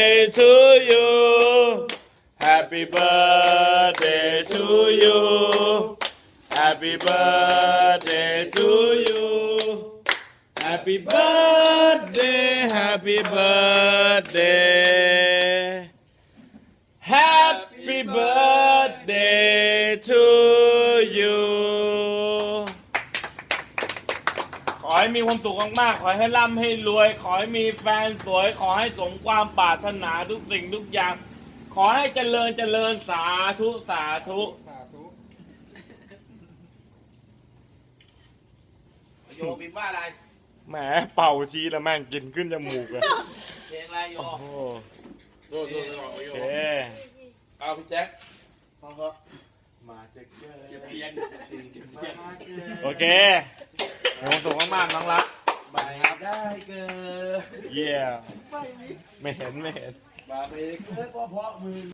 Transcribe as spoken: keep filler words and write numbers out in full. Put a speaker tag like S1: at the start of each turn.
S1: birthday to you Happy birthday to you Happy birthday to you Happy birthday Happy birthday Happy birthday to you ขอให้มีความสุขมากๆขอให้ร่ำให้รวยขอให้มีแฟนสวยขอให้สมความปรารถนาทุกสิ่งทุกอย่างขอให้เจริญเจริญสาธุสาธุ
S2: โยบินว่าอะไร
S1: แหมเป่าทีแล้วแม่งกินขึ้นจมูกเลย
S2: เพลงอะไรโย
S1: โอ้โห
S2: ดูดูดูโย
S1: โอเค
S2: เอาพี่แจ็คพอเหอะ
S1: มาเจ๊กเกอร์
S2: เก็บเพียนสี่เก็บเพียน
S1: โอเคมีความสุขมากๆน้องรัก
S2: มาได้เกิน
S1: เยี่ยไม่เห็นไม่เห็น
S2: มาไปเกินก็เพราะมือ